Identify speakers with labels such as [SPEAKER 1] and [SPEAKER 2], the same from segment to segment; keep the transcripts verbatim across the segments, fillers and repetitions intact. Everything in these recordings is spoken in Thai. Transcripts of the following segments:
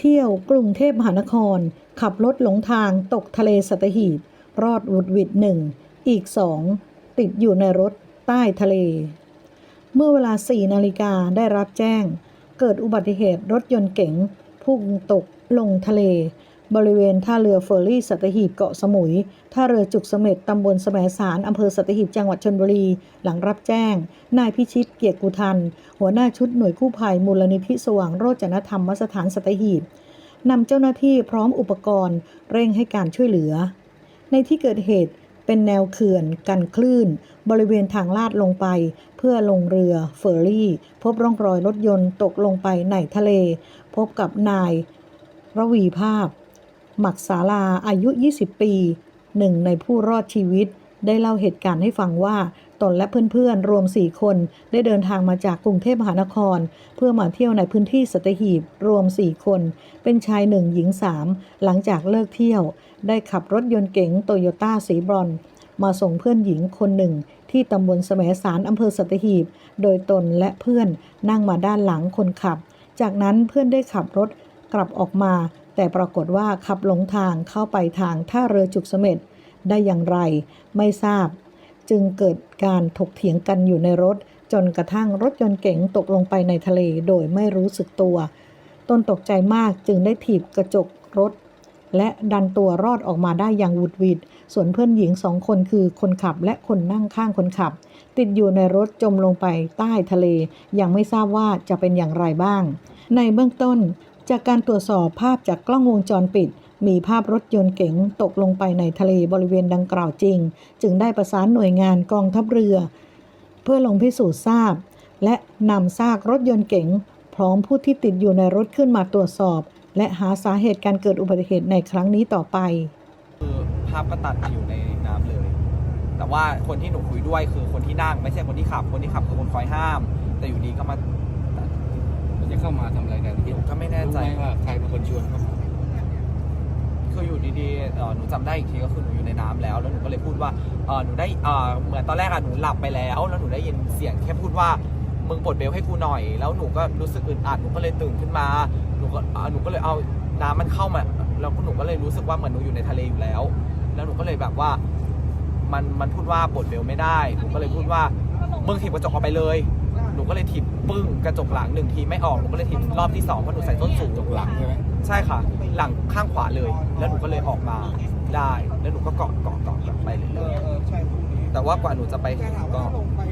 [SPEAKER 1] เที่ยวกรุงเทพมหานครขับรถหลงทางตกทะเลสัตหีบรอดหวุดหวิดหนึ่งอีกสองติดอยู่ในรถใต้ทะเลเมื่อเวลาสี่นาฬิกาได้รับแจ้งเกิดอุบัติเหตุรถยนต์เก๋งพุ่งตกลงทะเลบริเวณท่าเรือเฟอร์รี่สัตหีบเกาะสมุยท่าเรือจุกเสม็ดตำบลแสมสารอำเภอสัตหีบจังหวัดชลบุรีหลังรับแจ้งนายพิชิตเกียรติกุทันหัวหน้าชุดหน่วยกู้ภัยมูลนิธิสว่างโรจนธรรมสถานสัตหีบนำเจ้าหน้าที่พร้อมอุปกรณ์เร่งให้การช่วยเหลือในที่เกิดเหตุเป็นแนวเขื่อนกันคลื่นบริเวณทางลาดลงไปเพื่อลงเรือเฟอร์รี่พบร่องรอยรถยนต์ตกลงไปในทะเลพบกับนายระวีภาพหมักศาลาอายุยี่สิบปีหนึ่งในผู้รอดชีวิตได้เล่าเหตุการณ์ให้ฟังว่าตนและเพื่อนๆรวมสี่คนได้เดินทางมาจากกรุงเทพมหานครเพื่อมาเที่ยวในพื้นที่สัตหีบรวมสี่คนเป็นชายหนึ่งหญิงสามหลังจากเลิกเที่ยวได้ขับรถยนต์เก๋งโตโยต้าสีบรอนซ์มาส่งเพื่อนหญิงคนหนึ่งที่ตำบลแสมสารอำเภอสัตหีบโดยตนและเพื่อนนั่งมาด้านหลังคนขับจากนั้นเพื่อนได้ขับรถกลับออกมาแต่ปรากฏว่าขับหลงทางเข้าไปทางท่าเรือจุกเสม็ดได้อย่างไรไม่ทราบจึงเกิดการถกเถียงกันอยู่ในรถจนกระทั่งรถยนต์เก๋งตกลงไปในทะเลโดยไม่รู้สึกตัวตนตกใจมากจึงได้ถีบกระจกรถและดันตัวรอดออกมาได้อย่างหวุดหวิดส่วนเพื่อนหญิงสองคนคือคนขับและคนนั่งข้างคนขับติดอยู่ในรถจมลงไปใต้ทะเลยังไม่ทราบว่าจะเป็นอย่างไรบ้างในเบื้องต้นจากการตรวจสอบภาพจากกล้องวงจรปิดมีภาพรถยนต์เก๋งตกลงไปในทะเลบริเวณดังกล่าวจริงจึงได้ประสานหน่วยงานกองทัพเรือเพื่อลงพิสูจน์ทราบและนำซากรถยนต์เก๋งพร้อมผู้ที่ติดอยู่ในรถขึ้นมาตรวจสอบและหาสาเหตุการเกิดอุบัติเหตุในครั้งนี้ต่อไป
[SPEAKER 2] คือภาพก็ตัดมาอยู่ในน้ำเลยแต่ว่าคนที่หนูคุยด้วยคือคนที่นั่งไม่ใช่คนที่ขับคนที่ขับคือคนคอยห้ามแต่อยู่ดีก็มา
[SPEAKER 3] จะเข้ามาทำอะไรกัน
[SPEAKER 2] ที่ผมก็ไม่แน่ใจ
[SPEAKER 3] ว่าใครเป็นคนชวนเข้ามา
[SPEAKER 2] คืออยู่ดีๆหนูจำได้อีกทีก็คือหนูอยู่ในน้ำแล้วแล้วหนูก็เลยพูดว่าหนูได้เหมือนตอนแรกอะหนูหลับไปแล้วแล้วหนูได้ยินเสียงแค่พูดว่ามึงปลดเบลให้กูหน่อยแล้วหนูก็รู้สึกอึดอัดหนูก็เลยตื่นขึ้นมาหนูก็หนูก็เลยเอาน้ำมันเข้ามาแล้วหนูก็เลยรู้สึกว่าเหมือนหนูอยู่ในทะเลอยู่แล้วแล้วหนูก็เลยแบบว่ามันมันพูดว่าปลดเบลไม่ได้หนูก็เลยพูดว่ามึงถีบกระจกออกไปเลยหนูก็เลยถีบปึ้งกระจกหลังหนึ่งทีไม่ออกหนูก็เลยถีบรอบที่สองเพราะหนูใส่ส้นสูง
[SPEAKER 3] กระจกหลังใช่ไหม
[SPEAKER 2] ใช่ค่ะหลังข้างขวาเลยแล้วหนูก็เลยออกมาได้แล้วหนูก็เกาะเกาะเกาะไปเรื่อยๆแต่ว่ากว่าหนูจะไปถึงก็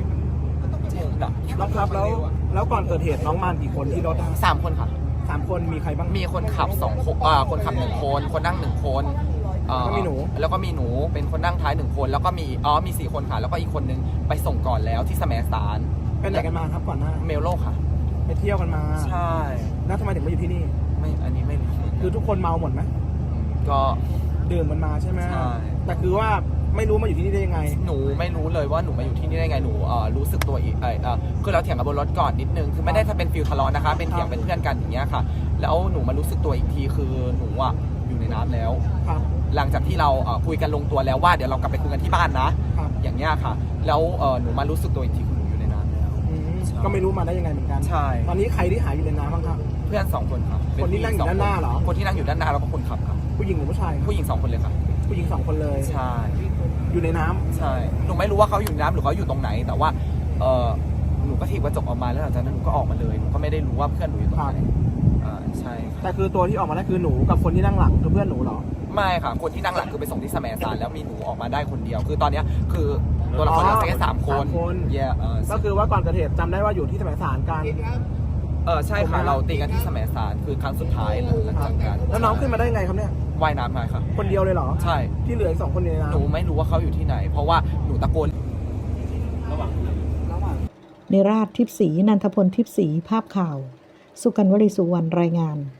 [SPEAKER 4] แล้วครับแล้วแล้วก่อนเกิดเหตุน้องมากี่คนที่รถ
[SPEAKER 2] สามคนค่ะ
[SPEAKER 4] สามคนมีใครบ้าง
[SPEAKER 2] มีคนขับสองคนอ่าคนขับหนึ่งคนคนนั่งหนึ่งคน
[SPEAKER 4] ก็มีหนู
[SPEAKER 2] แล้วก็มีหนูเป็นคนนั่งท้ายหนึ่งคนแล้วก็มีอ๋อมีสี่คนค่ะแล้วก็อีกคนนึงไปส่งก่อนแล้วที่แสมสาร
[SPEAKER 4] ไปไหนกันมาครับก่อนหน้า
[SPEAKER 2] เมลโลค่ะ
[SPEAKER 4] ไปเที่ยวกันมา
[SPEAKER 2] ใช่
[SPEAKER 4] แล้วทำไมถึงมาอยู่ที่นี่
[SPEAKER 2] ไม่อันนี้ไม่
[SPEAKER 4] คือทุกคนเมาหมดไหม
[SPEAKER 2] ก็
[SPEAKER 4] ดื่มมันมาใช่ไหม
[SPEAKER 2] ใช่
[SPEAKER 4] แต่คือว่าไม่รู้มาอยู่ที่นี่ได้ยังไง
[SPEAKER 2] หนูไม่รู้เลยว่าหนูมาอยู่ที่นี่ได้ไงหนูเอ่อรู้สึกตัวอีกเอ่อคือเราเถียงกับบนรถก่อนนิดนึงคือไม่ได้ถ้าเป็นฟิลทะเลาะนะคะเป็นเถียงเป็นเพื่อนกันอย่างเงี้ยค่ะแล้วหนูมารู้สึกตัวอีกทีคือหนูอ่ะอยู่ในน้ำแล้วหลังจากที่เราคุยกันลงตัวแล้วว่าเดี๋ยวเรากลับไปคุยกันที่บ้านนะอย่างเงี้ยค่ะแล้วหนูมารู้สึกตัวอีกทีคือหนูอยู่ในน้ำแล้ว
[SPEAKER 4] ก็ไม่รู้มาได้ยังไงเหมือนกัน
[SPEAKER 2] ใช่
[SPEAKER 4] ตอนนี้ใครที่หายอยู่ในน้ำบ้างครับ
[SPEAKER 2] เพื่อนสองคนครับ
[SPEAKER 4] คนที่นั่งอยู่ด้านหน้าเหรอ
[SPEAKER 2] คนที่นั่งอยู่ด้านหน้าแล้วก็คนขับครับ
[SPEAKER 4] ผู้หญิงหรือผู้ชาย
[SPEAKER 2] ผู้หญิงสองคนเลยครับ
[SPEAKER 4] ผู้หญิงสองคนเลย
[SPEAKER 2] ใช่
[SPEAKER 4] อยู่ในน้ำ
[SPEAKER 2] ใช่หนูไม่รู้ว่าเขาอยู่ในน้ำหรือเขาอยู่ตรงไหนแต่ว่าเออหนูก็ถีบกระจกออกมาแล้วหลังจากนั้นหนูก็ออกมาเลยหนูก็ไม่ได้รู้ว่าเพื่อนหนูอยู่ตรงไหนอ่าใช่
[SPEAKER 4] แต่คือตัวที่ออกมาได้คือหนูกับคนที่นั่งหลังคือเพื่อนหนูเหรอ
[SPEAKER 2] ไม่ค่ะคนที่นั่งหลังคือไปส่งที่แสมสารแล้วมีหนูออกมาได้คนเดียวคือตอนนี้คือตัวละครเราแค่สามคน
[SPEAKER 4] เย่ก็คือว่าก่อนเกิดเหตุจำได้ว่าอยู่ที่แสมสารกัน
[SPEAKER 2] เออใช่ค่ะเราตีกันที่แสมสารคือครั้งสุดท้ายหลังจากกัน
[SPEAKER 4] แล้วน้องขึ้นมาได้ไงครับเนี่ย
[SPEAKER 2] ว่ายน้ำมาค่ะ
[SPEAKER 4] คนเดียวเลยเหรอ
[SPEAKER 2] ใช่
[SPEAKER 4] ที่เหลืออีกสองคนในน้ำ
[SPEAKER 2] หนูไม่รู้ว่าเขาอยู่ที่ไหนเพราะว่าหนูตะโกน
[SPEAKER 1] นิราศทิพย์ศรีนันทพลทิพย์ศรีภาพข่าวสุกันวลีสุวรรณรายงาน